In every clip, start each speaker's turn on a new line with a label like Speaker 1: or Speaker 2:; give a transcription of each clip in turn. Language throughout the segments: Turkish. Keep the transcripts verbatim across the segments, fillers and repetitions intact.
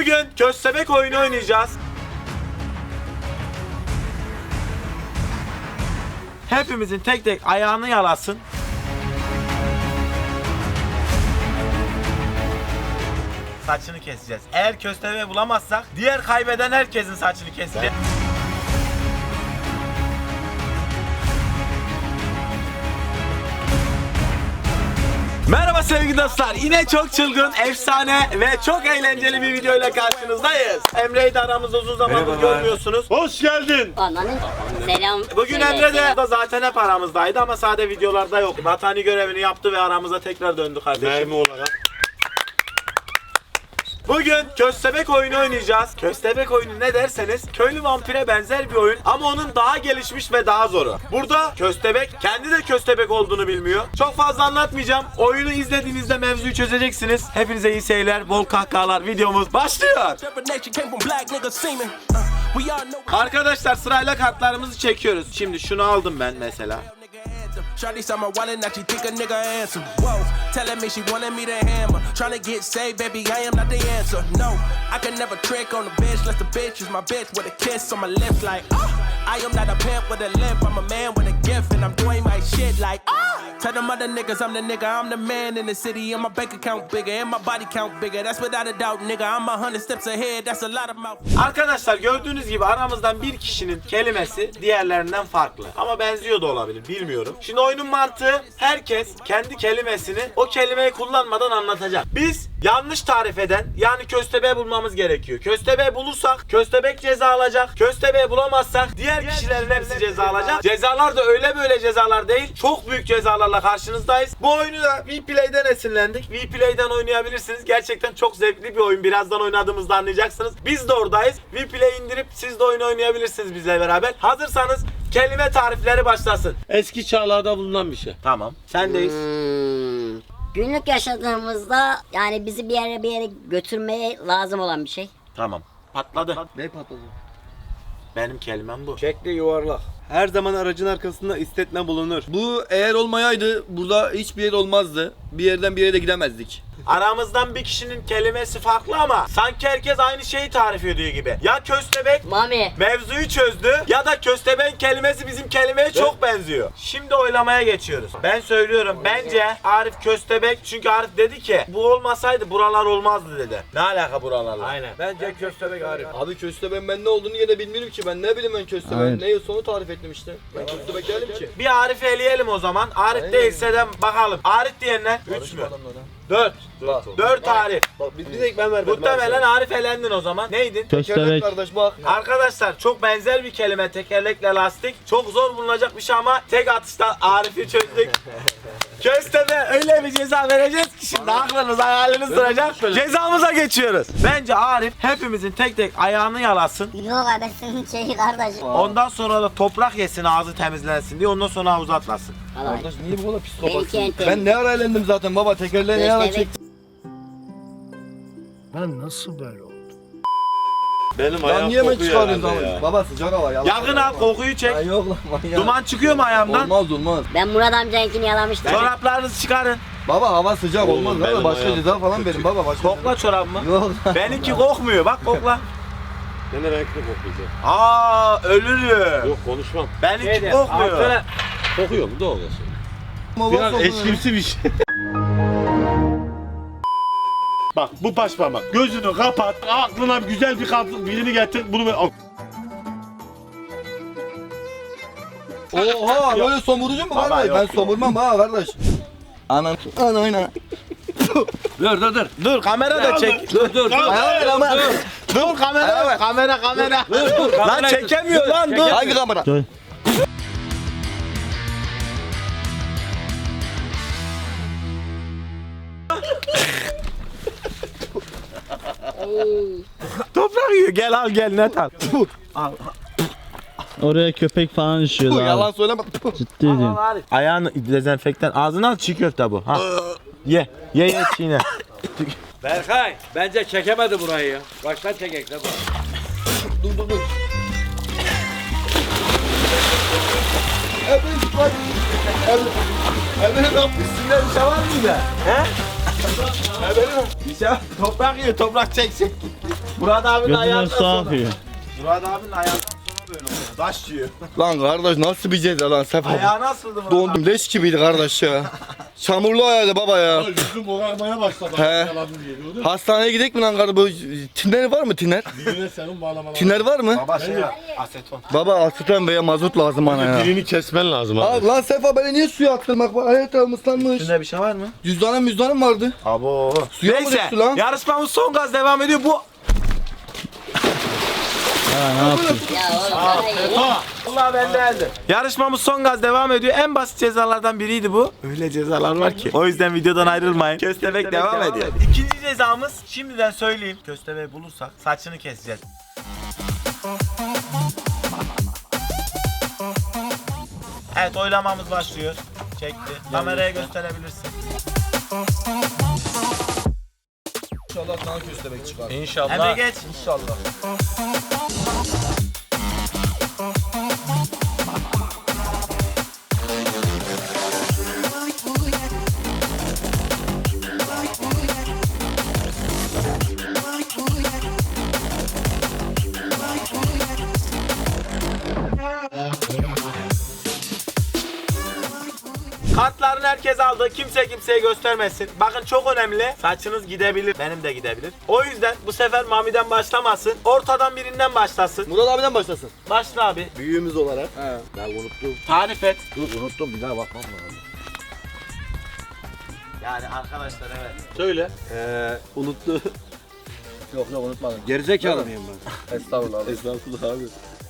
Speaker 1: Bugün köstebek oyunu oynayacağız. Hepimizin tek tek ayağını yalasın. Saçını keseceğiz. Eğer köstebeği bulamazsak diğer kaybeden herkesin saçını keseceğiz. Merhaba sevgili dostlar. Yine çok çılgın, efsane ve çok eğlenceli bir video ile karşınızdayız. Emre'yi de aramızda uzun zamandır görmüyorsunuz. Hoş geldin.
Speaker 2: Ananın selam.
Speaker 1: Bugün
Speaker 2: söyle,
Speaker 1: Emre de
Speaker 2: selam.
Speaker 1: da zaten hep aramızdaydı ama sade videolarda yok. Vatani görevini yaptı ve aramıza tekrar döndü kardeşim.
Speaker 3: Mermi olarak.
Speaker 1: Bugün köstebek oyunu oynayacağız. Köstebek oyunu ne derseniz köylü vampire benzer bir oyun ama onun daha gelişmiş ve daha zoru. Burada köstebek kendi de köstebek olduğunu bilmiyor. Çok fazla anlatmayacağım. Oyunu izlediğinizde mevzuyu çözeceksiniz. Hepinize iyi seyirler, bol kahkahalar. Videomuz başlıyor. Arkadaşlar sırayla kartlarımızı çekiyoruz. Şimdi şunu aldım ben mesela.
Speaker 4: Shawty saw my wallet, now she think a nigga handsome. Whoa, telling me she wanted me to hammer. Tryna get saved, baby, I am not the answer. No, I can never trick on the bitch, unless the bitch is my bitch with a kiss on my lips, like ah. I am not a pimp with a limp, I'm a man with a gift, and I'm doing my shit like ah. Tell them other niggas I'm the nigga, I'm the man in the city, and my bank account bigger, and my body count bigger. That's without a doubt, nigga. I'm a hundred steps ahead, that's a lot of mouth.
Speaker 1: Arkadaşlar gördüğünüz gibi aramızdan bir kişinin kelimesi diğerlerinden farklı. Ama benziyor da olabilir, bilmiyorum. Şimdi oyunun mantığı herkes kendi kelimesini o kelimeyi kullanmadan anlatacak. Biz yanlış tarif eden yani köstebeği bulmamız gerekiyor. Köstebeği bulursak köstebek ceza alacak. Köstebeği bulamazsak diğer kişilerin hepsi ceza alacak. Cezalar da öyle böyle cezalar değil. Çok büyük cezalarla karşınızdayız. Bu oyunu da Vplay'den esinlendik. Vplay'den oynayabilirsiniz. Gerçekten çok zevkli bir oyun. Birazdan oynadığımızda anlayacaksınız. Biz de oradayız. Vplay indirip siz de oyunu oynayabilirsiniz bizle beraber. Hazırsanız kelime tarifleri başlasın.
Speaker 3: Eski çağlarda bulunan bir şey.
Speaker 1: Tamam. Sendeyiz.
Speaker 2: Hmm, günlük yaşadığımızda yani bizi bir yere bir yere götürmeye lazım olan bir şey.
Speaker 1: Tamam. Patladı.
Speaker 5: Ne patladı?
Speaker 1: Benim kelimem bu.
Speaker 5: Şekli yuvarlak. Her zaman aracın arkasında istetme bulunur. Bu eğer olmayaydı burada hiçbir yer olmazdı. Bir yerden bir yere de gidemezdik.
Speaker 1: Aramızdan bir kişinin kelimesi farklı ama sanki herkes aynı şeyi tarif ediyor gibi. Ya köstebek
Speaker 2: Mami.
Speaker 1: mevzuyu çözdü ya da köstebek kelimesi bizim kelimeye çok benziyor. Şimdi oylamaya geçiyoruz. Ben söylüyorum bence Arif köstebek çünkü Arif dedi ki bu olmasaydı buralar olmazdı dedi. Ne alaka buralarla?
Speaker 3: Aynen. Bence köstebek Arif.
Speaker 5: Abi köstebeğin ben ne olduğunu yine bilmiyorum ki. Ben ne bileyim ben köstebeğin. Ne sonu tarif ettim işte. Ben köstebek değilim ki.
Speaker 1: Bir Arif'i eleyelim o zaman. Arif
Speaker 5: Aynen.
Speaker 1: değilse de bakalım. Arif diyenler üç mü? dört. dört Arif.
Speaker 5: Bak bir, bir tek ben vermedim.
Speaker 1: Muhtemelen Arif elendin o zaman. Neydin?
Speaker 5: Köstebek kardeş bak.
Speaker 1: Arkadaşlar çok benzer bir kelime tekerlekle lastik. Çok zor bulunacak bir şey ama tek atışta Arif'i çözdük. Köstebe öyle bir ceza vereceğiz ki şimdi aklınız hayaliniz duracak. Cezamıza geçiyoruz. Bence Arif hepimizin tek tek ayağını yalasın.
Speaker 2: Yok abi senin şeyi kardeşim.
Speaker 1: Ondan sonra da toprak yesin ağzı temizlensin diye ondan sonra havuza atlasın.
Speaker 2: Allah.
Speaker 5: Kardeş niye bu kadar
Speaker 2: Benimki
Speaker 5: psikopatsın?
Speaker 2: en temiz.
Speaker 5: Ben ne ara eğlendim zaten baba tekerleğe ne ara
Speaker 2: Köstebek.
Speaker 5: çektim.
Speaker 6: Ben nasıl böyle oldum?
Speaker 3: Benim
Speaker 5: Lan
Speaker 3: ayağım
Speaker 5: niye hemen
Speaker 3: kokuyor
Speaker 5: çıkarıyorsun
Speaker 3: herhalde
Speaker 5: ama?
Speaker 3: ya.
Speaker 5: Baba sıcak hava yalan.
Speaker 1: Yakın al kokuyu çek.
Speaker 5: Ya yok lan manyak.
Speaker 1: Duman çıkıyor mu ayağımdan?
Speaker 5: Olmaz olmaz.
Speaker 2: Ben Murat amcayınkini yalamıştım.
Speaker 1: Çoraplarınızı çıkarın.
Speaker 5: Baba hava sıcak
Speaker 3: Oğlum,
Speaker 5: olmaz
Speaker 3: benim
Speaker 5: lan başka
Speaker 3: ayağım
Speaker 5: ceza falan verin baba başka.
Speaker 1: Kokla çorabımı.
Speaker 5: Yok lan.
Speaker 1: Benimki kokmuyor bak kokla.
Speaker 3: Gene renkli kokuyacak.
Speaker 1: Aa ölürüm.
Speaker 3: Yok konuşmam.
Speaker 1: Benimki kokmuyor.
Speaker 3: Kokuyor mu? Doğru.
Speaker 5: Ama
Speaker 3: Biraz
Speaker 5: bak,
Speaker 3: eşkimsi bir şey. Bak bu baş parmak. Gözünü kapat. Aklına güzel bir kadın birini getir. Bunu ver.
Speaker 5: Oha böyle somurucu mu
Speaker 1: Baba,
Speaker 5: kardeş?
Speaker 1: yok,
Speaker 5: Ben
Speaker 1: yok.
Speaker 5: somurmam ha kardeş. Anan. Ana oyna.
Speaker 1: Dur dur dur. Dur kamera da çek. Dur dur.
Speaker 5: Ayağım ama.
Speaker 1: Dur kamera kamera kamera. Lan çekemiyor lan dur.
Speaker 5: Hangi kamera?
Speaker 1: Toprak yiyor gel al gel net al.
Speaker 7: Oraya köpek falan
Speaker 5: Bu
Speaker 7: işiyordu
Speaker 5: yalan
Speaker 7: abi.
Speaker 5: söyleme.
Speaker 7: Ciddi diyorum.
Speaker 1: Ayağını dezenfektan ağzına al çiğ köfte bu. Ha. Ye ye ye çiğne.
Speaker 8: Berkay bence çekemedi burayı ya. Baştan çekek de bu.
Speaker 5: Dur dur dur. Evet bak. Evet. Evet yapmışsın ya bir şey var mıydı?
Speaker 1: He? Bir şey toprak yiyor toprak çek çek. Murat abinin
Speaker 6: Gözünden
Speaker 1: ayağından
Speaker 6: su
Speaker 1: sonra.
Speaker 6: akıyor.
Speaker 1: Murat abinin ayağından sonra böyle oluyor. Taş yiyor.
Speaker 5: Lan kardeş nasıl bir ceza lan Sefa?
Speaker 1: Ayağı nasıldı Murat abi?
Speaker 5: Dondum leş gibiydi kardeş ya. Çamurlu ayağıydı baba ya.
Speaker 3: Yüzüm morarmaya başladı.
Speaker 5: He.
Speaker 3: Yalanım diye gördün mü?
Speaker 5: Hastaneye gidelim mi lan kardeş? Bu tiner var mı tiner?
Speaker 3: Birine senin bağlamalar.
Speaker 5: Tiner var mı?
Speaker 1: Baba şey aseton.
Speaker 5: Baba asitten veya mazot lazım bana ya.
Speaker 3: Birini kesmen lazım abi.
Speaker 5: Abi lan Sefa beni niye suya attın bak bak hayat ıslanmış.
Speaker 1: Üstünde bir şey var mı?
Speaker 5: Cüzdanım müzdanım vardı.
Speaker 1: Abo.
Speaker 5: Suya mı
Speaker 1: Neyse
Speaker 5: düştü lan?
Speaker 1: yarışmamız son gaz devam ediyor. Bu
Speaker 6: Ha ne yaptın?
Speaker 2: Ya oğlum sana iyi.
Speaker 1: Allah bendendi. Yarışmamız son gaz devam ediyor. En basit cezalardan biriydi bu. Öyle cezalar var ki. O yüzden videodan ayrılmayın. Köstebek devam, devam ediyor. İkinci cezamız şimdiden söyleyeyim. Köstebeği bulursak saçını keseceğiz. Evet oylamamız başlıyor. Çekti. Kameraya gösterebilirsin.
Speaker 5: İnşallah sana köstebek çıkar.
Speaker 1: İnşallah. Emre geç.
Speaker 5: İnşallah.
Speaker 1: Kartlarını herkes aldı. Kimse kimseye göstermesin. Bakın çok önemli. Saçınız gidebilir. Benim de gidebilir. O yüzden bu sefer Mami'den başlamasın. Ortadan birinden başlasın.
Speaker 5: Murat abiden başlasın.
Speaker 1: Başla abi.
Speaker 5: Büyüğümüz olarak.
Speaker 8: He. Ben unuttum.
Speaker 1: Tarif et.
Speaker 8: Dur unuttum bir daha bakmam lazım.
Speaker 1: Yani arkadaşlar evet.
Speaker 3: Söyle.
Speaker 8: Ee, unuttu.
Speaker 5: Yok yok unutmadım.
Speaker 8: Gerizekalı mıyım ben?
Speaker 5: Estağfurullah abi.
Speaker 3: Estağfurullah abi.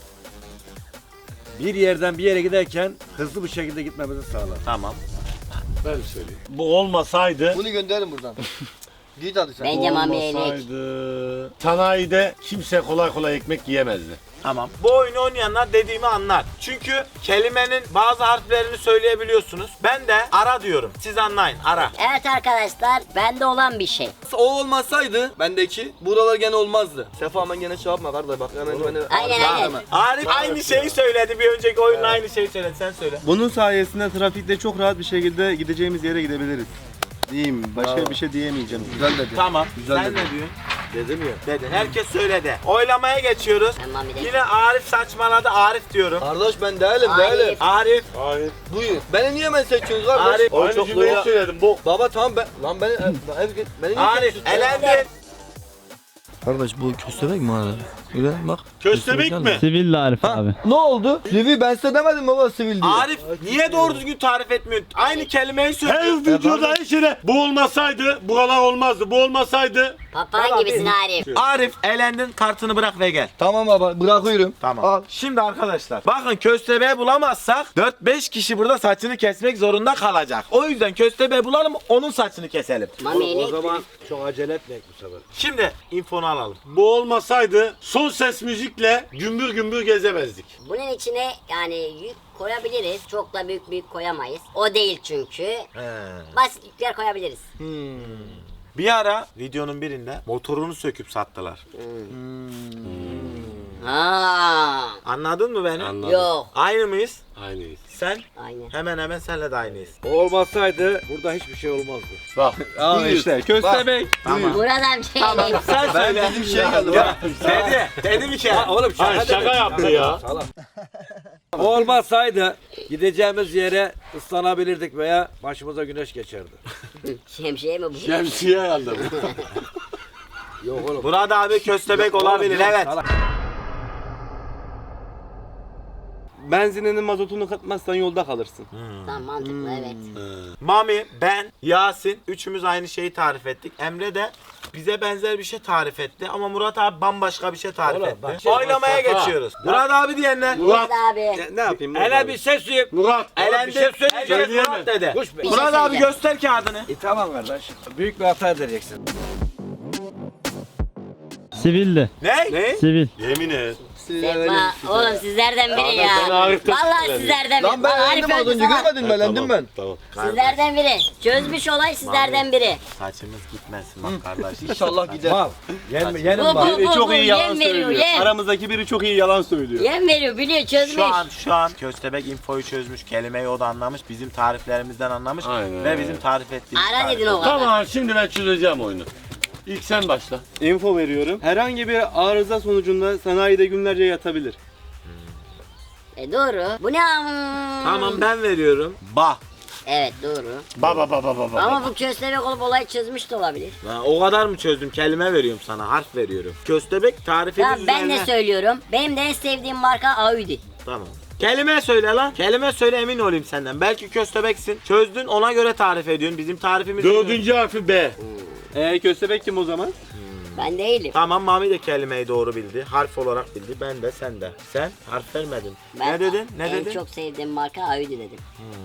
Speaker 8: Bir yerden bir yere giderken hızlı bir şekilde gitmemizi sağlar.
Speaker 1: Tamam.
Speaker 3: Ben söyleyeyim. Bu olmasaydı.
Speaker 5: Bunu gönderin buradan. Git hadi sen.
Speaker 2: Bence Mami'ye inek.
Speaker 3: Olmasaydı. Sanayide kimse kolay kolay ekmek yiyemezdi.
Speaker 1: Tamam. Bu oyunu oynayanlar dediğimi anlar. Çünkü kelimenin bazı harflerini söyleyebiliyorsunuz. Ben de ara diyorum. Siz anlayın. Ara.
Speaker 2: Evet arkadaşlar bende olan bir şey.
Speaker 5: O olmasaydı bendeki buralar gene olmazdı. Sefa hemen gene şey yapma kardeş bak hemen beni.
Speaker 2: Aynen, aynen.
Speaker 1: Arif aynı şeyi söyledi. Bir önceki oyunda aynı şeyi söyledi. Sen söyle.
Speaker 7: Bunun sayesinde trafikte çok rahat bir şekilde gideceğimiz yere gidebiliriz. Diyeyim. Başka
Speaker 5: Bravo.
Speaker 7: bir şey diyemeyeceğim.
Speaker 5: Güzel dedi.
Speaker 1: Tamam.
Speaker 5: Güzel
Speaker 1: Sen
Speaker 5: dedi.
Speaker 1: ne diyorsun?
Speaker 8: Dedim ya.
Speaker 1: Dedin. Herkes söyledi. Oylamaya geçiyoruz.
Speaker 2: Ben Mami'de.
Speaker 1: Yine Arif saçmaladı. Arif diyorum.
Speaker 5: Kardeş ben değilim
Speaker 2: Arif.
Speaker 5: değilim.
Speaker 1: Arif.
Speaker 3: Hayır.
Speaker 5: Buyur. Beni niye ben seçiyorsun kardeş?
Speaker 1: Arif.
Speaker 5: Oy
Speaker 3: Aynı
Speaker 5: çok
Speaker 3: cümleyi
Speaker 5: loya-
Speaker 3: söyledim. Bu.
Speaker 5: Baba tamam ben. Lan beni. ben, beni niye
Speaker 1: Arif.
Speaker 5: seçiyorsun?
Speaker 1: Elendin.
Speaker 5: Kardeş bu köstebek mi abi? Öyle bak.
Speaker 3: Köstebek mi?
Speaker 6: Sivil Arif abi.
Speaker 5: Ne oldu? Sivil ben size demedim baba sivil diye.
Speaker 1: Arif niye doğru düzgün tarif etmiyorsun? Aynı kelimeyi söylüyor.
Speaker 3: Her videoda her şeyde bu olmasaydı buralar olmazdı. Bu olmasaydı
Speaker 2: Papağan gibisin Arif.
Speaker 1: Arif elendin, kartını bırak ve gel.
Speaker 5: Tamam baba bırakıyorum.
Speaker 1: Tamam.
Speaker 5: Al.
Speaker 1: Şimdi arkadaşlar bakın köstebeği bulamazsak dört beş kişi burada saçını kesmek zorunda kalacak. O yüzden köstebeği bulalım onun saçını keselim.
Speaker 2: Mami
Speaker 8: O
Speaker 2: inek.
Speaker 8: zaman çok acele etmeyek bu sefer.
Speaker 1: Şimdi infonu alalım.
Speaker 3: bu olmasaydı son ses müzikle gümbür gümbür gezemezdik.
Speaker 2: Bunun içine yani yük koyabiliriz. Çok da büyük büyük koyamayız. O değil çünkü. Basit yükler koyabiliriz.
Speaker 1: Bir ara videonun birinde motorunu söküp sattılar.
Speaker 2: Ha.
Speaker 1: Anladın mı beni?
Speaker 3: Anladım.
Speaker 2: Yok.
Speaker 1: Aynı mıyız?
Speaker 3: Aynıyız.
Speaker 1: Sen?
Speaker 2: Aynen.
Speaker 1: Hemen hemen senle de aynıyız.
Speaker 8: O olmasaydı burada hiçbir şey olmazdı.
Speaker 3: Bak.
Speaker 5: Aa işte köstebek.
Speaker 1: Tamam.
Speaker 2: Burada bir şey
Speaker 1: Tamam.
Speaker 2: değil.
Speaker 1: Sen
Speaker 5: Ben
Speaker 1: söyle.
Speaker 5: dedim şey geldi bak.
Speaker 1: Dedi. Dedi bir kere.
Speaker 8: Oğlum şaka,
Speaker 3: Ay, şaka
Speaker 8: demek.
Speaker 3: yaptı ya.
Speaker 8: Salak. O olmasaydı gideceğimiz yere ıslanabilirdik veya başımıza güneş geçerdi.
Speaker 2: Şemsiye mi bu?
Speaker 3: Şemsiye herhalde bu.
Speaker 8: Yok oğlum.
Speaker 1: Murat abi köstebek olabilir
Speaker 8: Oğlum,
Speaker 1: evet.
Speaker 8: salak.
Speaker 7: Benzininin mazotunu katmazsan yolda kalırsın.
Speaker 2: Tamam mantıklı evet.
Speaker 1: Mami, ben, Yasin üçümüz aynı şeyi tarif ettik. Emre de bize benzer bir şey tarif etti ama Murat abi bambaşka bir şey tarif
Speaker 8: Oğlum,
Speaker 1: etti.
Speaker 8: bak-
Speaker 1: Oylamaya geçiyoruz. Murat abi diyenler.
Speaker 3: Murat.
Speaker 2: Abi.
Speaker 7: Ne, ne yapayım?
Speaker 8: Hele bir ses duyup.
Speaker 3: Murat.
Speaker 1: Elendi.
Speaker 8: bir şey söyleyeceğim.
Speaker 1: Herkes
Speaker 3: Söyleyemem.
Speaker 1: Murat dedi.
Speaker 8: Kuş be.
Speaker 2: Bir şey
Speaker 1: Murat abi
Speaker 2: söyleyeceğim.
Speaker 1: göster kağıdını.
Speaker 8: E, tamam kardeş. Büyük bir hata edeceksin.
Speaker 6: Sivildi.
Speaker 1: Ne?
Speaker 3: Ne?
Speaker 6: Sivil.
Speaker 3: Yemin et.
Speaker 2: Sefa, oğlum sizlerden biri
Speaker 3: ben
Speaker 2: ya.
Speaker 3: Arif'ten
Speaker 2: Vallahi
Speaker 3: şüpheleniyorum.
Speaker 2: sizlerden biri.
Speaker 5: Lan ben
Speaker 2: Bak,
Speaker 5: elendim az
Speaker 2: öldü
Speaker 5: önce
Speaker 2: sana.
Speaker 5: görmedin mi elendim ben.
Speaker 3: Tamam.
Speaker 2: Sizlerden biri. Çözmüş olay sizlerden biri.
Speaker 1: Saçımız gitmesin bak kardeş.
Speaker 5: İnşallah gider.
Speaker 8: Mal. Yen, yenim
Speaker 2: Bu,
Speaker 8: var.
Speaker 2: bu,
Speaker 7: Biri
Speaker 2: bu,
Speaker 7: çok
Speaker 2: bu,
Speaker 7: iyi yalan
Speaker 2: yem veriyor,
Speaker 7: söylüyor.
Speaker 2: yem.
Speaker 7: Aramızdaki biri çok iyi yalan söylüyor.
Speaker 2: Yem veriyor biliyor çözmüş.
Speaker 1: Şu an şu an köstebek infoyu çözmüş, kelimeyi o da anlamış, bizim tariflerimizden anlamış
Speaker 3: Aynen.
Speaker 1: ve bizim tarif ettiğimiz
Speaker 2: Ara
Speaker 1: tarif.
Speaker 2: dedin o kadar.
Speaker 3: Tamam şimdi ben çözeceğim oyunu. İlk sen başla.
Speaker 7: Info veriyorum. Herhangi bir arıza sonucunda sanayide günlerce yatabilir.
Speaker 2: E doğru. Bu ne am?
Speaker 1: Tamam ben veriyorum. Bah.
Speaker 2: Evet doğru.
Speaker 3: Baba baba baba.
Speaker 2: Ama bu köstebek olup olayı çözmüş de olabilir.
Speaker 1: Ha, o kadar mı çözdüm? Kelime veriyorum sana, harf veriyorum. Köstebek tarifiniz
Speaker 2: Tamam ben de
Speaker 1: üzerine-
Speaker 2: söylüyorum. Benim de en sevdiğim marka Audi.
Speaker 1: Tamam. Kelime söyle lan. Kelime söyle, emin olayım senden. Belki köstebeksin. Çözdün, ona göre tarif ediyorsun. Bizim tarifimiz...
Speaker 3: Dördüncü harfi B.
Speaker 7: Eee köstebek kim o zaman?
Speaker 2: Ben değilim.
Speaker 1: Tamam, Mami de kelimeyi doğru bildi. Harf olarak bildi. Ben de, sen de. Sen harf vermedin.
Speaker 2: Ben
Speaker 1: ne dedin? Ne
Speaker 2: en
Speaker 1: dedin?
Speaker 2: çok sevdiğim marka Audi dedim.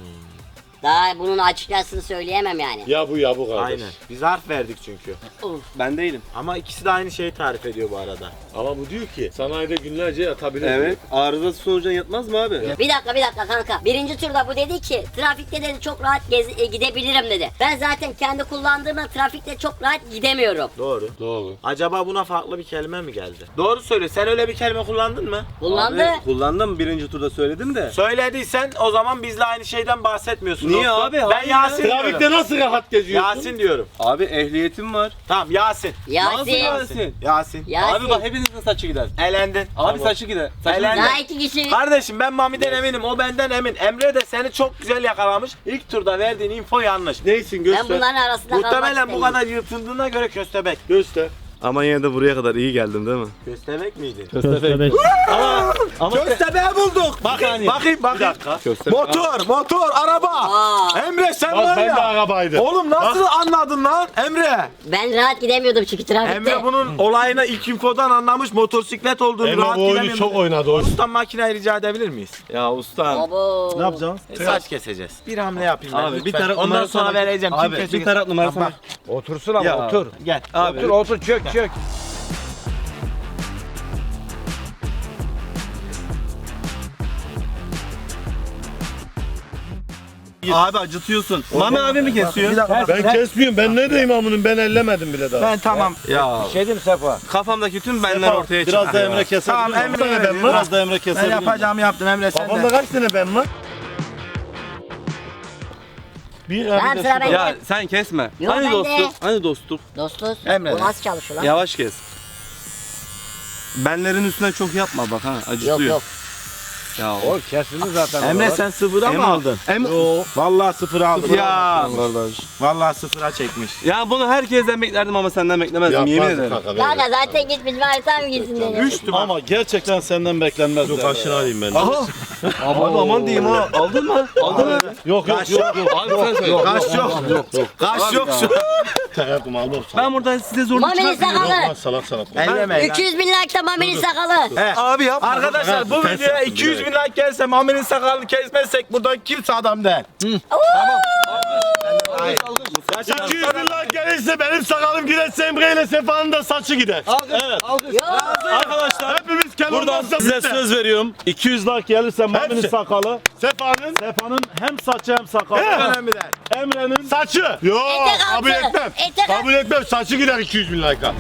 Speaker 2: Daha bunun açıkçasını söyleyemem yani.
Speaker 3: Ya bu ya bu kardeş.
Speaker 1: Aynen. Biz harf verdik çünkü.
Speaker 7: Ben değilim.
Speaker 1: Ama ikisi de aynı şeyi tarif ediyor bu arada.
Speaker 3: Ama bu diyor ki sanayide günlerce yatabilir.
Speaker 7: Evet. Arıza sonucunda yatmaz mı abi?
Speaker 2: Bir dakika bir dakika kanka. Birinci turda bu dedi ki trafikte dedi çok rahat gez- e, gidebilirim dedi. Ben zaten kendi kullandığımda trafikte çok rahat gidemiyorum.
Speaker 1: Doğru.
Speaker 3: Doğru.
Speaker 1: Acaba buna farklı bir kelime mi geldi? Doğru söyle. Sen öyle bir kelime kullandın mı?
Speaker 2: Kullandı.
Speaker 7: Abi, kullandım birinci turda söyledim de.
Speaker 1: Söylediysen o zaman bizle aynı şeyden bahsetmiyorsun.
Speaker 7: Niye
Speaker 1: dostum.
Speaker 7: abi?
Speaker 1: Ben
Speaker 7: Hayır
Speaker 1: Yasin
Speaker 7: ya.
Speaker 1: diyorum.
Speaker 3: Trafikte nasıl rahat geziyorsun?
Speaker 1: Yasin diyorum.
Speaker 7: Abi ehliyetim var.
Speaker 1: Tamam Yasin.
Speaker 2: Yasin.
Speaker 7: Yasin?
Speaker 1: Yasin.
Speaker 2: Yasin.
Speaker 7: Abi bak hepinizin saçı gider.
Speaker 1: Elendin.
Speaker 7: Abi
Speaker 1: Tamam.
Speaker 7: saçı gider. Saçı
Speaker 1: Helal.
Speaker 7: gider.
Speaker 2: Daha iki kişi.
Speaker 1: Kardeşim ben Mami'den eminim, o benden emin. Emre de seni çok güzel yakalamış. İlk turda verdiğin info yanlış.
Speaker 3: Neysin
Speaker 2: Ben
Speaker 3: göster.
Speaker 2: bunların arasında kalmak
Speaker 1: Muhtemelen bu
Speaker 2: istemiyorum.
Speaker 1: kadar yırtındığına göre köstebek.
Speaker 3: Göster.
Speaker 7: Ama yine de buraya kadar iyi geldim değil mi?
Speaker 1: Köstebek miydin?
Speaker 6: Köstebek.
Speaker 1: Köstebeği bulduk. Bakayım, bakayım, bakayım.
Speaker 7: Köstebek.
Speaker 1: Motor, motor, araba.
Speaker 2: Aa,
Speaker 1: Emre sen
Speaker 3: Bak
Speaker 1: var
Speaker 3: ben de
Speaker 1: ya.
Speaker 3: arabaydı.
Speaker 1: Oğlum nasıl anladın lan Emre?
Speaker 2: ben rahat gidemiyordum çünkü trafikte.
Speaker 1: Emre bunun olayını ilk infodan anlamış, motosiklet olduğunu
Speaker 3: Emre
Speaker 1: rahat
Speaker 3: bu oyunu
Speaker 1: gidemiyorum.
Speaker 3: çok oynadı. O
Speaker 1: Ustam makineyi rica edebilir miyiz?
Speaker 7: Ya usta.
Speaker 2: Abo.
Speaker 7: Ne yapacağız?
Speaker 1: E, saç keseceğiz. Bir hamle yapayım ben
Speaker 7: Abi bir
Speaker 1: lütfen.
Speaker 7: taraf
Speaker 1: Ondan
Speaker 7: numarası
Speaker 1: sonra
Speaker 7: bak-
Speaker 1: vereceğim. Kim
Speaker 7: Abi
Speaker 1: kesecek?
Speaker 7: bir taraf numarası
Speaker 1: Bak,
Speaker 7: var.
Speaker 8: Otursun ama
Speaker 7: Ya.
Speaker 8: otur.
Speaker 1: Gel.
Speaker 7: Abi.
Speaker 8: Otur otur çök çök.
Speaker 7: Abi acıtıyorsun. Mami abi mi kesiyor?
Speaker 3: Ben kesmiyorum. Ben ne diyeyim amının, ben ellemedim bile daha.
Speaker 1: Ben tamam.
Speaker 7: Ya
Speaker 8: Bir şey diyeyim Sefa.
Speaker 7: kafamdaki tüm benler ortaya çıktı.
Speaker 3: Biraz da Emre kesebilir.
Speaker 1: Tamam,
Speaker 3: miyim?
Speaker 1: Emre
Speaker 3: Bir tane ben
Speaker 1: veriyor.
Speaker 3: var. Biraz da Emre
Speaker 1: Ben
Speaker 3: kesebilir. miyim?
Speaker 1: yapacağımı yaptım Emre, sen
Speaker 3: Kafamda
Speaker 1: de.
Speaker 3: kaç tane ben var? Bir
Speaker 2: Tamam,
Speaker 3: abi de
Speaker 2: sıra
Speaker 3: şu-
Speaker 2: bende.
Speaker 7: Ya sen kesme.
Speaker 2: Yok,
Speaker 7: hani
Speaker 2: ben de.
Speaker 7: dostluk? Hani dostluk?
Speaker 2: Dostuz.
Speaker 1: Emre.
Speaker 2: Bu nasıl çalışıyor lan?
Speaker 7: Yavaş kes. Benlerin üstüne çok yapma bak ha acıtıyor.
Speaker 2: Yok yok.
Speaker 7: Ya
Speaker 8: O kesildi zaten.
Speaker 1: Emre
Speaker 8: oralar.
Speaker 1: sen sıfıra mı
Speaker 7: Emre-
Speaker 1: aldın?
Speaker 7: Em-
Speaker 1: Vallahi sıfıra aldım.
Speaker 7: Ya.
Speaker 1: Vallahi sıfıra çekmiş.
Speaker 7: Ya bunu herkesten beklerdim ama senden beklemezdim yemin
Speaker 3: Yapmazdı
Speaker 7: ederim.
Speaker 3: kanka, ver.
Speaker 2: Kanka zaten git bizim harita mı gitsin dedi.
Speaker 1: Üçtü bak.
Speaker 3: Ama gerçekten senden beklenmez. Yok aşırı alayım ben.
Speaker 7: Aha. Abi aman diyeyim ha. Aldın mı? Aldın mı?
Speaker 3: Yok yok
Speaker 1: Kaç
Speaker 3: yok. yok.
Speaker 7: Abi sen söyle.
Speaker 1: Kaç yok. Kaç yok şu.
Speaker 3: Yaptım aldım.
Speaker 7: Ben burada size zorluk
Speaker 2: Mami'nin
Speaker 7: çıkartmıyorum.
Speaker 2: sakalı.
Speaker 3: Salak salak.
Speaker 1: Ellemeyin lan.
Speaker 2: iki yüz bin like'ta Mami'nin sakalı.
Speaker 1: He.
Speaker 7: Abi yapma.
Speaker 1: Arkadaşlar bu
Speaker 3: Ben
Speaker 1: videoya
Speaker 3: sattım
Speaker 1: iki yüz bin
Speaker 3: direkt.
Speaker 1: like gelse Mami'nin sakalını kesmezsek buradan kimse adam değil.
Speaker 3: iki yüz bin like gelirse benim sakalım giderse Emre ile Sefa'nın da saçı gider. Evet. Arkadaşlar hepimiz buradan size söz veriyorum. iki yüz like gelirse Mami'nin sakalı, Sefa'nın Sefa'nın hem saçı hem sakalı.
Speaker 1: Önemli değil.
Speaker 3: Emre'nin saçı. Yo
Speaker 2: Etek altı.
Speaker 3: kabul etmem.
Speaker 2: Etek altı.
Speaker 3: Kabul etmem. Saçı gider iki yüz bin like'a.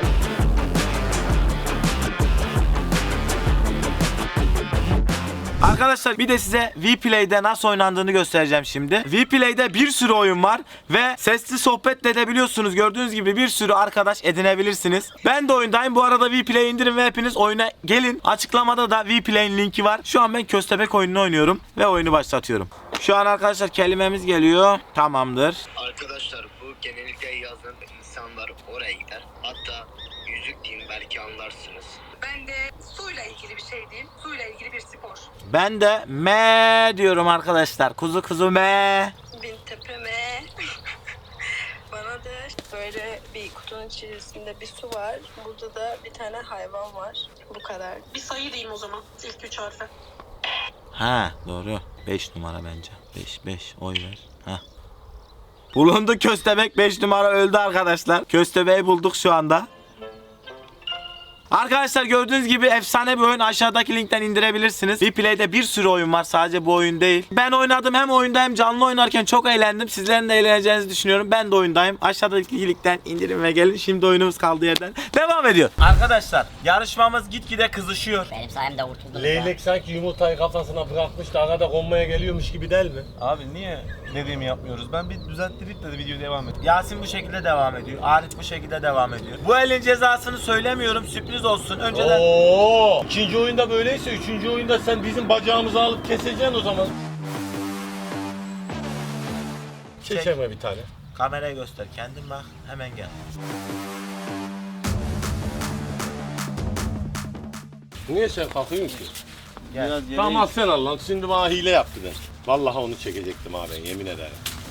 Speaker 1: Arkadaşlar bir de size Vplay'de nasıl oynandığını göstereceğim şimdi. Vplay'de bir sürü oyun var ve sesli sohbet de edebiliyorsunuz. Gördüğünüz gibi bir sürü arkadaş edinebilirsiniz. Ben de oyundayım. Bu arada Vplay'i indirin ve hepiniz oyuna gelin. Açıklamada da Vplay'in linki var. Şu an ben köstebek oyununu oynuyorum ve oyunu başlatıyorum. Şu an arkadaşlar kelimemiz geliyor. Tamamdır.
Speaker 9: Arkadaşlar bu genellikle yazın insanlar oraya gider. Hatta yüzük diyeyim belki anlarsınız.
Speaker 10: Ben de suyla ilgili bir şey diyeyim. Suyla ilgili bir spor.
Speaker 1: Ben de me diyorum arkadaşlar. Kuzu kuzu me.
Speaker 10: Bin tepeme. Bana da böyle bir kutunun içerisinde bir su var. Burada da bir tane hayvan var. Bu kadar. Bir sayı diyeyim o zaman. İlk üç harfi.
Speaker 1: Ha doğru. beş numara bence. beş beş oy ver. Ha. Bulundu köstebek, beş numara öldü arkadaşlar. Köstebeği bulduk şu anda. Arkadaşlar gördüğünüz gibi efsane bir oyun, aşağıdaki linkten indirebilirsiniz. Vplay'de bir sürü oyun var, sadece bu oyun değil. Ben oynadım, hem oyunda hem canlı oynarken çok eğlendim. Sizlerin de eğleneceğinizi düşünüyorum. Ben de oyundayım. Aşağıdaki linkten indirin ve gelin. Şimdi oyunumuz kaldığı yerden devam ediyor. Arkadaşlar yarışmamız gitgide kızışıyor.
Speaker 2: Benim sayemde kurtuldunuz.
Speaker 3: Leylek sanki yumurtayı kafasına bırakmış da arada konmaya geliyormuş gibi değil mi?
Speaker 7: Abi niye dediğimi yapmıyoruz? Ben bir düzelttirip de video devam et.
Speaker 1: Yasin bu şekilde devam ediyor. Arif bu şekilde devam ediyor. Bu elin cezasını söylemiyorum, sürpriz olsun. Önceden
Speaker 3: Oo! İkinci oyunda böyleyse üçüncü oyunda sen bizim bacağımızı alıp keseceksin o zaman. Çekeme bir tane.
Speaker 1: kameraya göster, kendin bak, hemen gel.
Speaker 3: Niye sen kalkıyorsun ki?
Speaker 1: Gel.
Speaker 3: Tamam al sen al lan. Şimdi bana hile yaptı ben. Vallahi onu çekecektim abi, yemin ederim.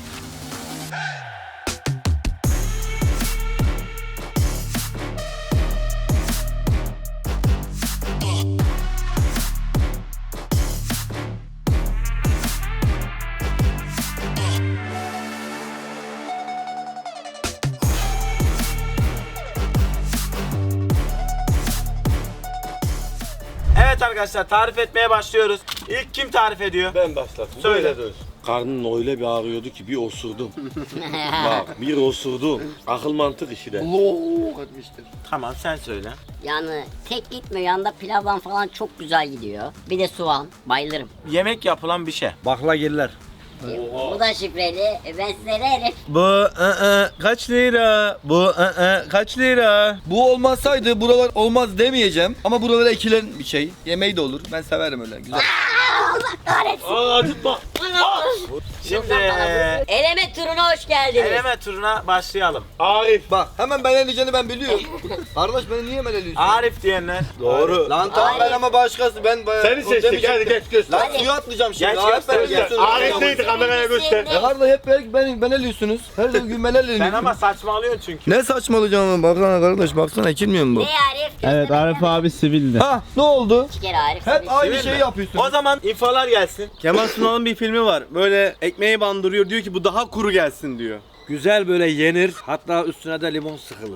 Speaker 1: Evet arkadaşlar, tarif etmeye başlıyoruz. İlk kim tarif ediyor?
Speaker 3: Ben başlattım.
Speaker 1: Söyle.
Speaker 3: Böyle dön. Karnın öyle bir ağrıyordu ki bir osurdum. Bak bir osurdum. Akıl mantık işi de.
Speaker 1: Tamam, sen söyle.
Speaker 2: Yani tek gitmiyor, yanında pilavdan falan çok güzel gidiyor. Bir de soğan, bayılırım.
Speaker 1: Yemek yapılan bir şey.
Speaker 8: Baklagiller.
Speaker 2: Bu da şifreli, E, ben size ne
Speaker 7: Bu ı-ı, kaç lira? Bu ı-ı, kaç lira?
Speaker 5: Bu olmasaydı buralar olmaz demeyeceğim. Ama buralara ekilen bir şey. Yemeği de olur. Ben severim öyle. Güzel.
Speaker 3: Aa acıtma.
Speaker 1: Şimdi
Speaker 2: Eleme turuna hoş geldiniz.
Speaker 1: eleme turuna başlayalım.
Speaker 3: Arif.
Speaker 5: Bak hemen ben eleyeceğini ben biliyorum. Kardeş beni niye hemen eliyorsun?
Speaker 1: Arif diyenler.
Speaker 7: Doğru.
Speaker 5: Lan tamam ben ama başkası. Ben
Speaker 3: Seni seçtik, hadi geç göster.
Speaker 5: Lan suya atlayacağım şimdi.
Speaker 1: Geç
Speaker 5: Arif
Speaker 1: göster,
Speaker 5: ben
Speaker 1: geç.
Speaker 5: eliyorsunuz.
Speaker 3: Arif neydi, kameraya göster.
Speaker 5: E kardeş hep ben, ben, ben eliyorsunuz. Her gün ben eliyorum.
Speaker 1: Sen ama saçmalıyorsun çünkü.
Speaker 5: Ne saçmalayacağım baksana kardeş baksana ekilmiyor mu bu?
Speaker 2: Ne Arif?
Speaker 6: Evet Arif abi sivildi.
Speaker 5: Ha ne oldu?
Speaker 2: İki kere Arif.
Speaker 5: Hep aynı
Speaker 1: Sivil
Speaker 5: şeyi
Speaker 1: mi?
Speaker 5: yapıyorsun.
Speaker 1: O zaman infolar gelsin.
Speaker 7: Kemal Sunal'ın bir filmi var. Böyle ekmeği bandırıyor, diyor ki bu daha kuru gelsin diyor.
Speaker 8: Güzel böyle yenir. Hatta üstüne de limon sıkılır.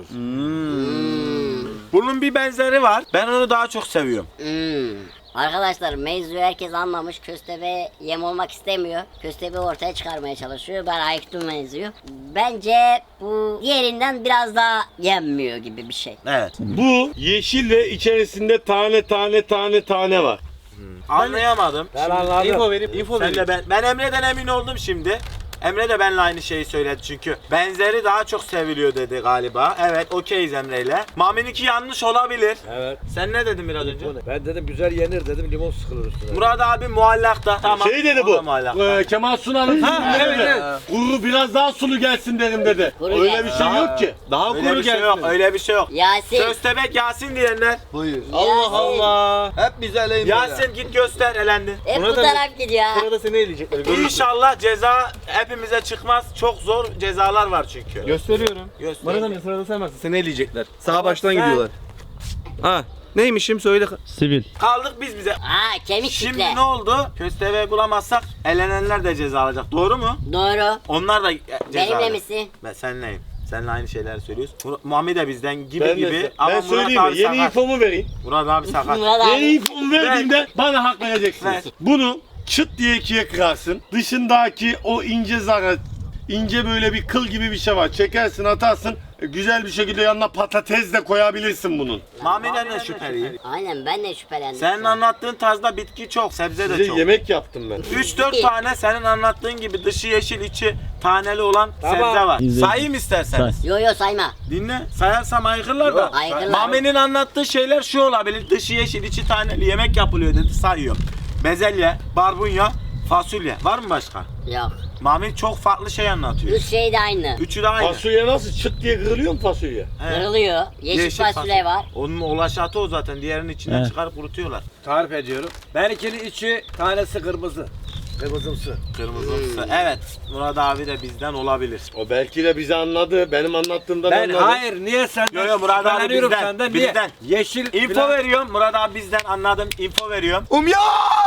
Speaker 1: Bunun bir benzeri var. Ben onu daha çok seviyorum.
Speaker 2: Hmm. Arkadaşlar mevzuyu herkes anlamış. Köstebe yem olmak istemiyor. Köstebeği ortaya çıkarmaya çalışıyor. Ben ayıktım mevzuyu. Bence bu diğerinden biraz daha yenmiyor gibi bir şey.
Speaker 1: Evet.
Speaker 3: Bu yeşil ve içerisinde tane tane tane tane var.
Speaker 1: Anlayamadım.
Speaker 8: Ben anladım.
Speaker 7: İnfo verip info
Speaker 1: Sen
Speaker 7: verip.
Speaker 1: de ben, ben Emre'den emin oldum şimdi. Emre de benimle aynı şeyi söyledi çünkü. Benzeri daha çok seviliyor dedi galiba. Evet, okeyiz Emre'yle. Mami'ninki yanlış olabilir.
Speaker 8: Evet.
Speaker 1: Sen ne dedin biraz önce?
Speaker 8: Ben dedim güzel yenir dedim, limon sıkılır üstüne.
Speaker 1: Murat abi muallakta. Tamam.
Speaker 3: Şey dedi
Speaker 1: o da
Speaker 3: bu.
Speaker 1: muallakta.
Speaker 3: e, Kemal Sunal'ın filminde
Speaker 8: evet,
Speaker 3: dedi.
Speaker 8: evet.
Speaker 3: Kuru biraz daha sulu gelsin dedim dedi.
Speaker 2: Kuru
Speaker 3: Öyle
Speaker 2: gel-
Speaker 3: bir şey yok ki.
Speaker 7: Daha
Speaker 1: Öyle
Speaker 7: kuru
Speaker 1: bir şey
Speaker 7: gelsin.
Speaker 1: yok. Öyle bir şey yok.
Speaker 2: Yasin.
Speaker 1: Köstebek Yasin diyenler.
Speaker 5: Buyur.
Speaker 7: Allah Allah.
Speaker 5: Hep bize eleyin böyle.
Speaker 1: Yasin git göster, elendin.
Speaker 2: Hep bu
Speaker 7: Murat abi-
Speaker 2: taraf gidiyor.
Speaker 7: Sırada seni eleyecekler.
Speaker 1: İnşallah ceza hepimize çıkmaz. Çok zor cezalar var çünkü.
Speaker 7: Gösteriyorum.
Speaker 1: Göster.
Speaker 7: Bana da sırada sen varsın. Seni eleyecekler. Sağa baştan
Speaker 1: sen-
Speaker 7: gidiyorlar. Ha. Neymişim söyle.
Speaker 6: Sivil.
Speaker 1: Kaldık biz bize.
Speaker 2: Aa kemik
Speaker 1: Şimdi
Speaker 2: kitle.
Speaker 1: ne oldu? Köstebeği bulamazsak elenenler de ceza alacak. Doğru mu?
Speaker 2: Doğru.
Speaker 1: Onlar da e, ceza
Speaker 2: Benimle
Speaker 1: alacak.
Speaker 2: misin?
Speaker 1: Ben seninleyim. Seninle aynı şeyler söylüyoruz. Mur- Muhammed de bizden gibi
Speaker 3: Ben,
Speaker 1: gibi.
Speaker 3: de,
Speaker 1: Ama
Speaker 3: ben
Speaker 1: Murat
Speaker 3: söyleyeyim mi?
Speaker 1: abi
Speaker 3: Yeni
Speaker 1: sakat.
Speaker 3: infomu vereyim.
Speaker 1: Murat abi sakat.
Speaker 2: Murat
Speaker 3: Yeni
Speaker 2: abi.
Speaker 3: infomu verdiğimde bana hak vereceksiniz.
Speaker 1: Ver.
Speaker 3: Bunu çıt diye ikiye kırarsın. Dışındaki o ince zarı, ince böyle bir kıl gibi bir şey var. Çekersin, atarsın. E, Güzel bir şekilde yanına patates de koyabilirsin bunun.
Speaker 1: Muhammed'den de şüpheliyim.
Speaker 2: Aynen ben de şüphelendim.
Speaker 1: Senin anlattığın tarzda bitki çok, sebze de
Speaker 3: Size
Speaker 1: çok.
Speaker 3: yemek yaptım ben.
Speaker 1: üç dört tane senin anlattığın gibi dışı yeşil içi taneli olan
Speaker 8: Tamam.
Speaker 1: sebze var.
Speaker 6: İzledim.
Speaker 1: Sayayım isterseniz.
Speaker 2: Yo yo sayma.
Speaker 1: Dinle. Sayarsam aykırılar da.
Speaker 2: Aykırılar.
Speaker 1: Mami'nin anlattığı şeyler şu olabilir. Dışı yeşil içi taneli yemek yapılıyor dedi, sayıyor. Bezelye, barbunya, fasulye. Var mı başka?
Speaker 2: Yok.
Speaker 1: Mami çok farklı şey anlatıyor.
Speaker 2: Üç şey de aynı.
Speaker 1: Üçü de aynı.
Speaker 3: Fasulye nasıl çıt diye kırılıyor mu fasulye?
Speaker 1: He.
Speaker 2: Kırılıyor. Yeşil, fasulye var.
Speaker 1: Onun ulaşatı o zaten. Diğerinin içinden
Speaker 6: He.
Speaker 1: çıkarıp kurutuyorlar.
Speaker 8: Tarif ediyorum. Benimkinin içi tanesi kırmızı. Kırmızımsı.
Speaker 1: Kırmızısı. Evet. Murat abi de bizden olabilir.
Speaker 3: O belki de bizi anladı. Benim anlattığımdan
Speaker 8: Ben
Speaker 3: anladı.
Speaker 8: hayır niye senden?
Speaker 1: Yo, yo, Murat abi
Speaker 8: şüpheleniyorum
Speaker 1: bizden,
Speaker 8: senden. Niye?
Speaker 1: bizden.
Speaker 8: Yeşil
Speaker 1: Info
Speaker 8: filan-
Speaker 1: veriyorum. Murat abi bizden, anladım. Info veriyorum.
Speaker 5: Um ya!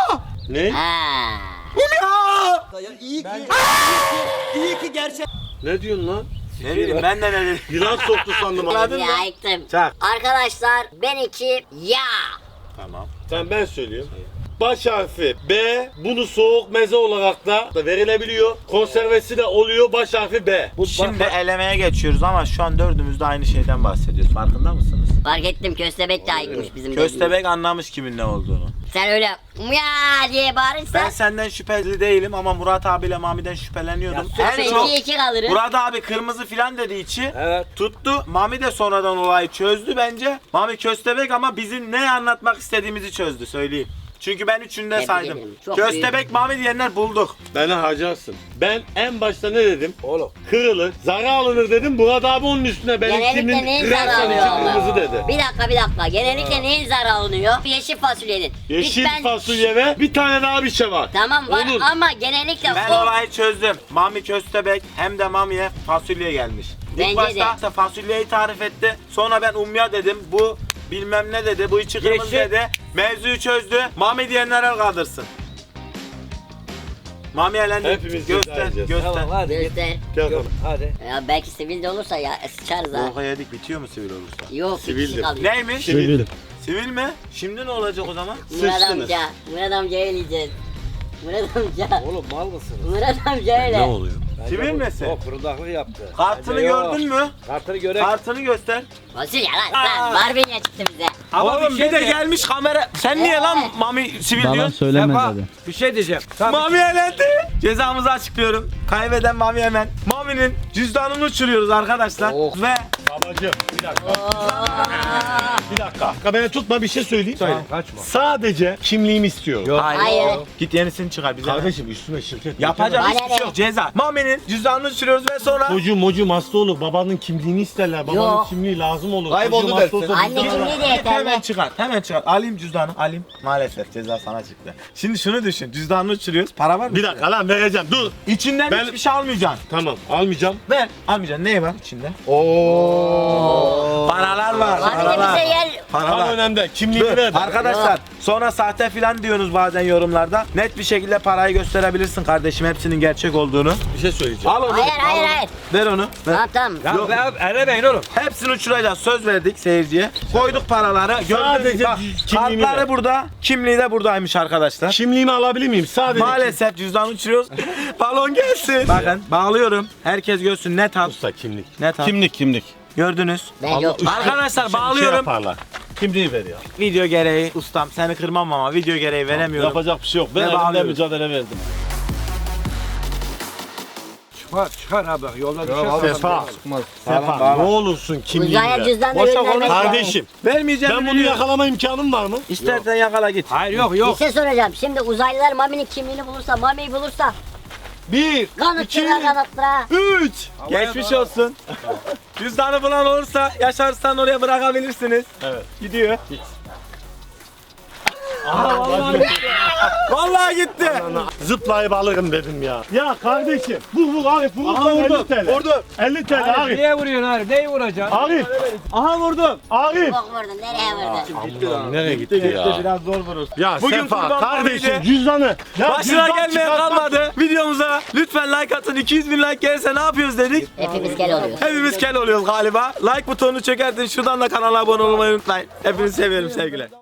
Speaker 3: Ne?
Speaker 2: Ha.
Speaker 3: Ne diyorsun lan?
Speaker 1: Ne bileyim ben de ne dedim.
Speaker 3: Yılan soktu sandım.
Speaker 1: Anladın mı?
Speaker 2: Ya ayıktım.
Speaker 1: Çak.
Speaker 2: Arkadaşlar ben iki ya.
Speaker 1: Tamam.
Speaker 3: Sen ben söyleyeyim. Baş harfi B. Bunu soğuk meze olarak da verilebiliyor. Konservesi de oluyor. Baş harfi B. Bu
Speaker 1: Şimdi elemeye geçiyoruz ama şu an dördümüz de aynı şeyden bahsediyoruz. Farkında mısınız?
Speaker 2: Fark ettim köstebek de ayıkmış bizim
Speaker 1: Köstebek anlamış kimin ne olduğunu.
Speaker 2: Sen öyle ya diye bağırırsan
Speaker 1: Ben senden şüpheli değilim ama Murat abiyle Mami'den şüpheleniyordum.
Speaker 2: sonra
Speaker 1: En çok
Speaker 2: ikiye iki kalırım.
Speaker 1: Murat abi kırmızı filan dediği için
Speaker 8: Evet.
Speaker 1: tuttu. Mami de sonradan olayı çözdü bence. Mami köstebek ama bizim ne anlatmak istediğimizi çözdü söyleyeyim. Çünkü ben üçünü de
Speaker 2: Tebrik
Speaker 1: saydım.
Speaker 2: ederim. Çok
Speaker 1: Köstebek
Speaker 2: büyük.
Speaker 1: Mami diyenler bulduk.
Speaker 3: Beni harcarsın. Ben en başta ne dedim?
Speaker 8: Oğlum.
Speaker 3: Kırılır, zarar alınır dedim. Murat abi onun üstüne benim
Speaker 2: Genellikle
Speaker 3: kimin
Speaker 2: neyin
Speaker 3: dersen
Speaker 2: zararı
Speaker 3: için
Speaker 2: alınıyor?
Speaker 3: kırmızı dedi.
Speaker 2: Bir dakika bir dakika. Genellikle neyin zararı alınıyor? Yeşil fasulyenin.
Speaker 3: Yeşil
Speaker 2: Lütfen-
Speaker 3: fasulye ve bir tane daha bir şey var.
Speaker 2: Tamam var
Speaker 3: Olur.
Speaker 2: ama genellikle
Speaker 1: Ben
Speaker 2: o
Speaker 1: olayı çözdüm. Mami köstebek hem de Mami'ye fasulye gelmiş.
Speaker 2: Bence
Speaker 1: İlk başta fasulyeyi tarif etti. Sonra ben umya dedim. Bu bilmem ne dedi. Bu içi kırmızı
Speaker 8: Yeşil.
Speaker 1: dedi. Mevzuyu çözdü. Mami diyenler el kaldırsın. Mami elendi.
Speaker 3: Hepimiz
Speaker 1: göster,
Speaker 3: ceza yiyeceğiz.
Speaker 1: göster.
Speaker 8: Tamam hadi git.
Speaker 2: göster.
Speaker 3: Gel
Speaker 8: Yok,
Speaker 3: bakalım.
Speaker 8: hadi.
Speaker 2: Ya belki sivil de olursa ya sıçarız ha.
Speaker 1: Boka yedik bitiyor mu sivil olursa?
Speaker 2: Yok bir kişi
Speaker 3: Sivildir.
Speaker 2: kalıyor.
Speaker 1: Neymiş?
Speaker 6: Sivil.
Speaker 1: Sivil mi? Şimdi ne olacak o zaman?
Speaker 2: Murat
Speaker 3: Sıçtınız.
Speaker 2: amca. Murat amca eleyeceğiz. Murat amca.
Speaker 8: Oğlum mal mısınız?
Speaker 2: Murat amca öyle.
Speaker 3: oluyor?
Speaker 8: Bence
Speaker 1: Sivil
Speaker 8: bu-
Speaker 1: misin?
Speaker 8: O fırıldaklık yaptı.
Speaker 1: Kartını
Speaker 8: Bence yok.
Speaker 1: gördün mü?
Speaker 8: Kartını göre.
Speaker 1: Kartını göster.
Speaker 2: Fasulye lan lan. Barbunya çıktı bize.
Speaker 1: Ama
Speaker 8: Oğlum,
Speaker 1: bir
Speaker 8: bir
Speaker 1: de
Speaker 8: şey-
Speaker 1: gelmiş kamera. Sen niye lan
Speaker 2: Evet.
Speaker 1: Mami sivil
Speaker 6: Bana
Speaker 1: diyorsun?
Speaker 6: söyleme
Speaker 8: Sefa,
Speaker 6: dedi.
Speaker 8: bir şey diyeceğim. Tamam.
Speaker 1: Mami elendi. Cezamızı açıklıyorum. Kaybeden Mami hemen. Mami'nin cüzdanını uçuruyoruz arkadaşlar.
Speaker 8: Oh.
Speaker 1: Ve
Speaker 3: Babacım bir dakika. Bir dakika. Beni tutma bir şey söyleyeyim.
Speaker 8: Tamam, kaçma.
Speaker 3: Sadece kimliğimi istiyorum.
Speaker 8: Yok.
Speaker 2: Hayır.
Speaker 1: Git yenisini çıkar bize.
Speaker 3: Kardeşim üstüme şirket.
Speaker 1: Yapacak
Speaker 2: Bana
Speaker 1: hiçbir şey
Speaker 2: ne?
Speaker 1: yok. Ceza. Mami'nin cüzdanını uçuruyoruz ve sonra
Speaker 3: Çocuğum mocuğum hasta olur. Babanın kimliğini isterler. Babanın
Speaker 2: Yok.
Speaker 3: kimliği lazım olur.
Speaker 5: Kayboldu
Speaker 3: Çocuğum hasta
Speaker 5: dersin.
Speaker 3: olsa
Speaker 2: Anne
Speaker 3: biz de-
Speaker 2: kimliği de
Speaker 1: Git hemen
Speaker 2: yeterli.
Speaker 1: çıkar. Hemen çıkar. Alayım cüzdanı. Alayım. Maalesef ceza sana çıktı. Şimdi şunu düşün. Cüzdanını uçuruyoruz. Para var mı?
Speaker 3: Bir dakika lan vereceğim. Dur.
Speaker 1: İçinden
Speaker 3: Ben-
Speaker 1: hiçbir şey almayacaksın.
Speaker 3: Tamam almayacağım.
Speaker 1: Ver. Almayacaksın. Ne var içinde? Oo. Paralar var.
Speaker 2: Mami de
Speaker 1: Paralar.
Speaker 2: bize yer.
Speaker 3: Tam
Speaker 1: Paralar.
Speaker 3: önemli. Kimliğini
Speaker 1: Dur,
Speaker 3: ver.
Speaker 1: arkadaşlar sonra sahte filan diyorsunuz bazen yorumlarda. Net bir şekilde parayı gösterebilirsin kardeşim hepsinin gerçek olduğunu.
Speaker 3: Bir şey söyleyeceğim.
Speaker 1: Al onu.
Speaker 2: Hayır
Speaker 1: al
Speaker 2: hayır
Speaker 1: onu.
Speaker 2: hayır.
Speaker 1: Ver onu. Ver.
Speaker 2: Tamam tamam.
Speaker 8: Ya
Speaker 1: Yok.
Speaker 8: be, elemeyin oğlum.
Speaker 1: Hepsini uçuracağız. Söz verdik seyirciye. Koyduk paraları. Gördüğünüz
Speaker 3: Sadece
Speaker 1: gibi bak,
Speaker 3: kimliğimi
Speaker 1: kartları
Speaker 3: ver.
Speaker 1: burada. Kimliği de buradaymış arkadaşlar.
Speaker 3: Kimliğimi alabilir miyim? Sadece.
Speaker 1: Maalesef cüzdan uçuruyoruz. Balon gelsin. Bakın bağlıyorum. Herkes görsün net al.
Speaker 3: Usta kimlik.
Speaker 1: Net al.
Speaker 3: Kimlik kimlik.
Speaker 1: Gördünüz.
Speaker 2: Ben yok.
Speaker 1: Arkadaşlar
Speaker 3: Şey
Speaker 1: bağlıyorum.
Speaker 3: yaparlar. Kimliği ver ya.
Speaker 1: Video gereği ustam seni kırmam ama video gereği veremiyorum.
Speaker 3: Yapacak bir şey yok. Ben
Speaker 1: Ne
Speaker 3: elimden
Speaker 1: bağlıyoruz?
Speaker 3: mücadele verdim.
Speaker 8: Çıkar çıkar abi bak yolda düşer.
Speaker 3: Sefa. Sefa
Speaker 1: bağla.
Speaker 3: ne olursun kimliğini
Speaker 2: Uzaya
Speaker 3: ver.
Speaker 2: cüzdan da
Speaker 1: Boşa
Speaker 2: göndermek lazım.
Speaker 3: Kardeşim
Speaker 1: Vermeyeceğim.
Speaker 3: ben bunu yakalama imkanım var mı?
Speaker 1: İstersen yakala git.
Speaker 8: Hayır yok
Speaker 2: Bir
Speaker 8: yok.
Speaker 2: şey soracağım. Şimdi uzaylılar Mami'nin kimliğini bulursa, Mami'yi bulursa
Speaker 3: Bir,
Speaker 2: kanıttıra kanıttıra.
Speaker 3: üç.
Speaker 1: Geçmiş olsun. Cüzdanı bulan olursa yaşarsan oraya bırakabilirsiniz.
Speaker 3: Evet.
Speaker 1: Gidiyor.
Speaker 3: Aha, vallahi
Speaker 1: Vallahi gitti.
Speaker 3: zıplayıp alırım dedim ya. Ya kardeşim vur vur Arif vurursan elli TL.
Speaker 1: Vurdu.
Speaker 3: elli TL Arif.
Speaker 8: Niye vuruyorsun Arif? Neyi vuracaksın?
Speaker 3: Arif. Aha vurdum. Arif.
Speaker 2: Bok vurdun. Nereye vurdun?
Speaker 3: Allah'ım nereye gitti ya?
Speaker 1: Biraz zor vurursun.
Speaker 3: Ya
Speaker 1: Bugün
Speaker 3: Sefa
Speaker 1: kurban
Speaker 3: kardeşim
Speaker 1: bayramıydı.
Speaker 3: cüzdanı. Ya
Speaker 1: Başına
Speaker 3: cüzdan
Speaker 1: gelmeye
Speaker 3: çıkartmak-
Speaker 1: kalmadı. Videomuza lütfen like atın. iki yüz bin like gelirse ne yapıyoruz dedik.
Speaker 2: Hepimiz kel oluyoruz.
Speaker 1: Hepimiz kel oluyoruz galiba. Like butonunu çökertin. Şuradan da kanala abone olmayı unutmayın. Hepinizi seviyorum sevgiler.